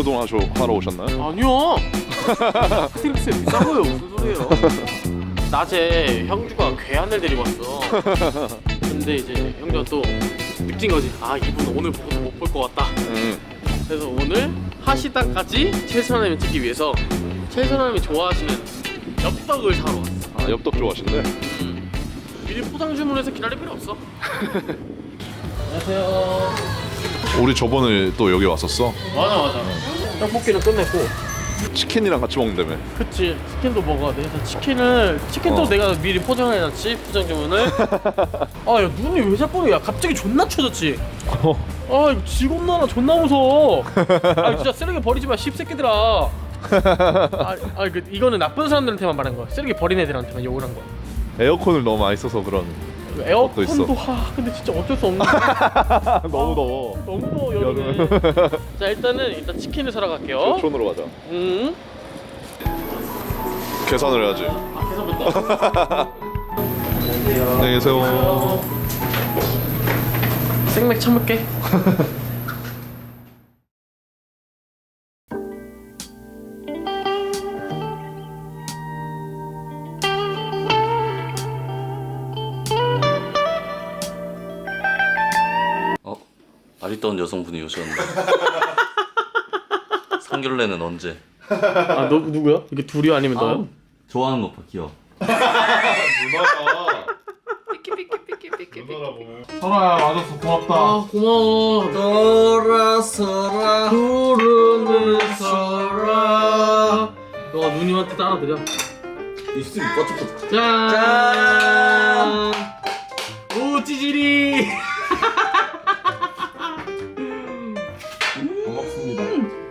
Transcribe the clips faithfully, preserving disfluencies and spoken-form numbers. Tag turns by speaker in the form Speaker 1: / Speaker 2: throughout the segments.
Speaker 1: 중고등 하셔, 하러 오셨나요?
Speaker 2: 아니요. 스트릭스 비싼 거예요. 무슨 소리예요? 낮에 형주가 괴한을 데리고 왔어. 근데 이제 형주가 또 느낀 거지. 아, 이분 오늘 보고도 못 볼 것 같다.
Speaker 1: 음.
Speaker 2: 그래서 오늘 하시다까지 최선을 찍기 위해서 최선을 좋아하시는 엽떡을 사러 왔어.
Speaker 1: 아, 엽떡 좋아하신대?
Speaker 2: 음. 미리 포장 주문해서 기다릴 필요 없어. 안녕하세요.
Speaker 1: 우리 저번에 또 여기 왔었어?
Speaker 2: 맞아 맞아. 떡볶이는 끝냈고.
Speaker 1: 치킨이랑 같이 먹는다며.
Speaker 2: 그치, 치킨도 먹어야 돼. 그래서 치킨을 치킨도
Speaker 1: 어.
Speaker 2: 내가 미리 포장을 해놨지, 포장 주문을. 아, 야, 눈이 왜 자꾸 야 갑자기 존나 쳐졌지. 아, 이거 직업 나라 존나 무서워. 아, 진짜 쓰레기 버리지 마, 씹새끼들아. 아, 아, 그 이거는 나쁜 사람들한테만 말한 거야. 쓰레기 버린 애들한테만 욕을 한 거야.
Speaker 1: 에어컨을 너무 많이 써서 그런.
Speaker 2: 에어컨도 하, 근데 진짜 어쩔 수 없는 거야.
Speaker 1: 너무 더워.
Speaker 2: 너무 더워 여름에. 자, 일단은 일단 치킨을 사러 갈게요.
Speaker 1: 촌으로 가자.
Speaker 2: 음.
Speaker 1: 계산을 해야지.
Speaker 2: 아, 계산부터.
Speaker 1: 안녕히 계세요.
Speaker 2: 생맥 참을게.
Speaker 3: 어? 아리따운 여성분이 오셨는데 상견례는 언제?
Speaker 2: 아, 너 누구야? 이게 둘이 아니면 너야?
Speaker 3: 아, 좋아하는 오빠 귀여워.
Speaker 1: 설아야 와줘서 고맙다.
Speaker 2: 아, 고마워.
Speaker 3: 돌아서라
Speaker 2: 구름을 서라. 너가 누님한테 따라드려.
Speaker 3: 입술이 뻗쩍뻗쩍.
Speaker 2: 짠. 오, 찌질이.
Speaker 1: 고맙습니다.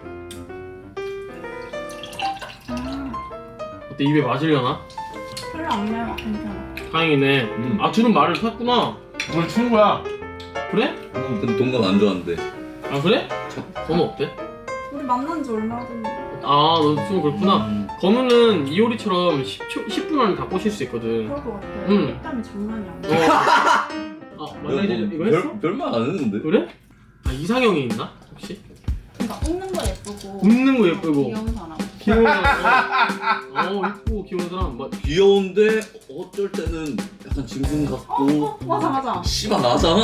Speaker 2: 어때, 입에 맞으려나?
Speaker 4: 별로 안 매워. 괜찮아.
Speaker 2: 다행이네.
Speaker 1: 음.
Speaker 2: 아, 주는 말을 탔구나.
Speaker 1: 오늘 친구야.
Speaker 2: 그래?
Speaker 3: 근데 동감 안 좋아하는데.
Speaker 2: 아, 그래? 건우 어때?
Speaker 4: 우리 만난 지 얼마 됐는데.
Speaker 2: 아, 너 지금 그렇구나.
Speaker 3: 음.
Speaker 2: 건우는 이효리처럼 십 초, 십 분 안에 다 꼬실 수 있거든.
Speaker 4: 그럴 것 같아.
Speaker 2: 음.
Speaker 4: 땀이 장난이
Speaker 2: 어.
Speaker 4: 아니야.
Speaker 2: 아, 만나기 전에 이거 했어?
Speaker 3: 별, 별말 안 했는데?
Speaker 2: 그래? 아, 이상형이 있나? 혹시?
Speaker 4: 그러니까 웃는 거 예쁘고.
Speaker 2: 웃는 거 예쁘고.
Speaker 4: 귀여운 사람.
Speaker 2: 귀여운 사람. 어, 예쁘고 귀여운 사람. 뭐,
Speaker 3: 귀여운데 어쩔 때는 약간 짐승
Speaker 4: 어,
Speaker 3: 같고
Speaker 4: 어, 맞아 맞아.
Speaker 3: 씨발 나잖아.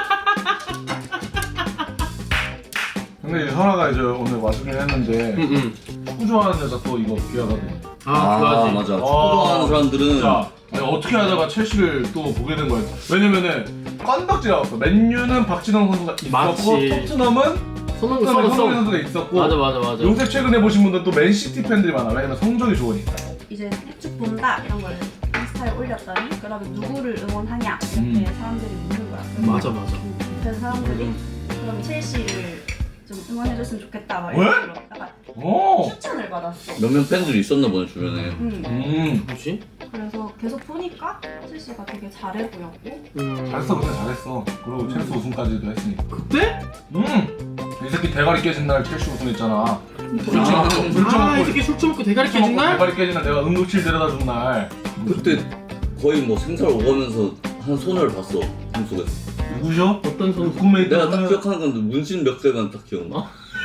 Speaker 5: 근데 이제 설아가 이제 오늘 와주긴 했는데
Speaker 2: 응, 응.
Speaker 5: 축구 좋아하는 여자 또 이거 귀하거든.
Speaker 2: 아, 좋아하지.
Speaker 3: 맞아. 축구
Speaker 5: 어.
Speaker 3: 좋아하는 사람들은
Speaker 5: 진짜 아니, 어떻게 하다가 첼시를 또 보게 된 거야. 왜냐면은 건덕지가 왔어. 맨유는 박진영 선수가 있었고
Speaker 2: 맞지.
Speaker 5: 토트넘은
Speaker 2: 손흥민
Speaker 5: 토트넘에 손흥민
Speaker 2: 선수.
Speaker 5: 선수가 있었고
Speaker 2: 맞아, 맞아, 맞아.
Speaker 5: 요새 최근에 보신 분들 또 맨시티 팬들이 많아. 왜냐면 성적이 좋으니까.
Speaker 4: 이제 쭉 본다 이런 걸 인스타에 올렸더니 그다음에 누구를 응원하냐 이렇게
Speaker 5: 음.
Speaker 4: 사람들이 묻는 거야. 그래서
Speaker 2: 맞아, 맞아.
Speaker 4: 음, 그래서 사람들이 그럼 첼시를 좀 응원해줬으면 좋겠다 막
Speaker 5: 왜?
Speaker 4: 이런 식으로 약간
Speaker 5: 오.
Speaker 4: 추천을 받았어.
Speaker 3: 몇몇 팬들이 있었나 보네 주변에.
Speaker 4: 음.
Speaker 5: 음.
Speaker 2: 뭐지?
Speaker 4: 그래서 계속 보니까 첼시가 되게 잘해 보였고.
Speaker 2: 음.
Speaker 5: 잘했어 그때 잘했어. 그리고 첼시 우승까지도 했으니까.
Speaker 2: 그때?
Speaker 5: 음. 이 새끼 대가리 깨진 날 첼시 우승했잖아. 술
Speaker 2: 아,
Speaker 5: 처먹고 술
Speaker 2: 아, 이
Speaker 5: 처먹고
Speaker 2: 새끼 술 처먹고 대가리
Speaker 5: 술 처먹고
Speaker 2: 깨진 날?
Speaker 5: 대가리 깨진 날 내가 응급실 데려다 준 날.
Speaker 3: 그때 거의 뭐 생살 오가면서 한 소녀를 봤어 꿈속에서.
Speaker 5: 누구죠?
Speaker 2: 어떤 선수?
Speaker 5: 룸메이트
Speaker 3: 내가 딱
Speaker 5: 분은-
Speaker 3: 기억하는 건데 문신 몇 개만 딱 기억나.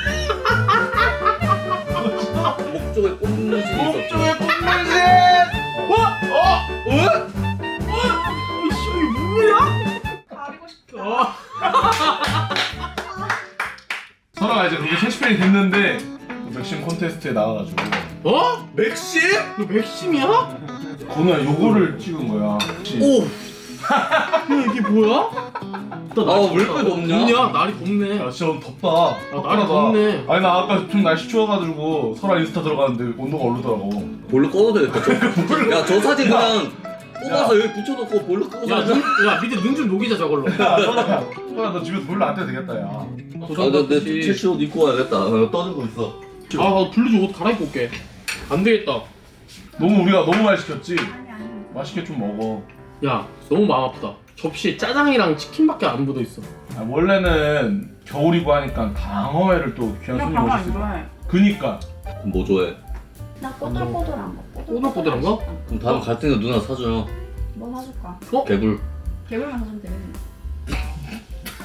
Speaker 3: 목 쪽에 꽃문신이 있었죠.
Speaker 5: 꽃문신!
Speaker 2: 어? 어? 이씨, 이게 뭐야?
Speaker 4: 가리고 싶다.
Speaker 2: 어.
Speaker 5: 설아가 이제 그게 첼시 팬이 됐는데 맥심 콘테스트에 나와가지고
Speaker 2: 어?
Speaker 3: 맥심?
Speaker 2: 너 맥심이야?
Speaker 5: 건우야 요거를 찍은 거야.
Speaker 3: 오!
Speaker 2: 야, 이게 뭐야?
Speaker 3: 아, 왜 이렇게 덥냐?
Speaker 2: 덥냐? 날이 덥네.
Speaker 5: 야 진짜 오늘 덥다.
Speaker 2: 아, 날이 덥네.
Speaker 5: 아니 나 아까 좀 날씨 추워가지고 설아 인스타 들어갔는데 온도가 오르더라고.
Speaker 3: 볼로 꺼도 되겠다. 야, 저 사진 그냥 뽑아서 여기 붙여놓고 볼로 끄고
Speaker 2: 야,
Speaker 3: 살자.
Speaker 2: 눈, 야, 밑에 눈 좀 녹이자 저걸로.
Speaker 5: 야 설아, 설아 너 집에서 별로 안 돼도 되겠다 야.
Speaker 3: 아, 나, 내 첼시 옷 입고 와야겠다. 어, 떠들고 있어.
Speaker 2: 아, 나 블루즈 옷 갈아입고 올게. 안 되겠다.
Speaker 5: 너무 우리가 너무 많이 시켰지.
Speaker 4: 아니 아니.
Speaker 5: 맛있게 좀 먹어.
Speaker 2: 야, 너무 마음 아프다. 접시에 짜장이랑 치킨밖에 안 묻어 있어.
Speaker 5: 아, 원래는 겨울이고 하니까 방어회를 또 귀한
Speaker 4: 나
Speaker 5: 손님
Speaker 4: 방어 안
Speaker 5: 오셨어.
Speaker 4: 좋아해.
Speaker 5: 그니까
Speaker 3: 그럼 뭐 좋아해?
Speaker 4: 나 꼬들꼬들한 거.
Speaker 2: 꼬들꼬들한 거?
Speaker 3: 그럼 다음 갈 때는 누나 사줘요.
Speaker 4: 뭐 사줄까?
Speaker 2: 어?
Speaker 3: 개굴.
Speaker 4: 개불만 사주면 되겠네.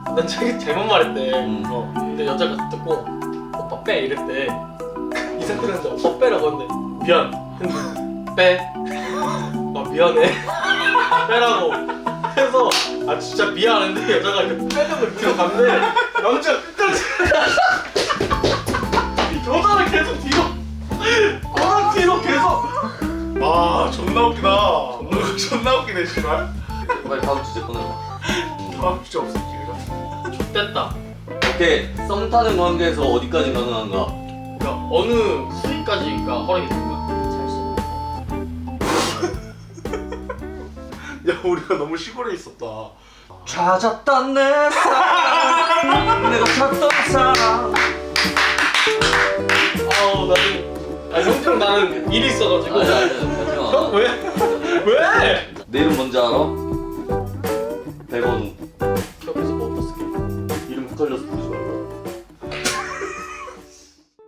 Speaker 2: 난 자기 잘못 말했대.
Speaker 3: 음.
Speaker 2: 어. 근데 여자가 듣고 오빠 빼 이랬대. 이 상태에서 오빠 빼라고 했는데 미안. 했는데 빼. 아 미안해. 빼라고. 해서 아 진짜 미안한데 여자가 이렇게 빼는 걸 들어갔는데 남자가 끝까지 여자를 계속 뒤로 꼬랑 뒤로 계속.
Speaker 5: 와 존나 웃기다. 존나 웃기네 씨발.
Speaker 3: 빨리 다음 주제 꺼내자.
Speaker 5: 다음 주제 없어 기회가.
Speaker 2: X됐다.
Speaker 3: 오케이. 썸 타는 관계에서 어디까지 가능한가?
Speaker 2: 그러니까 어느 수위까지가 허락이 되는 거야?
Speaker 5: 야 우리가 너무 시골에 있었다.
Speaker 3: 찾았다 내 사랑 내가 찾던 사람.
Speaker 2: 아우 나는 아 형평 나는 일이 있어가지고.
Speaker 3: 아니 아니
Speaker 2: 형 왜? 왜?
Speaker 3: 내 이름 뭔지 알아? 백원우.
Speaker 2: 옆에서 뭐 없었을게.
Speaker 3: 이름 헷갈려서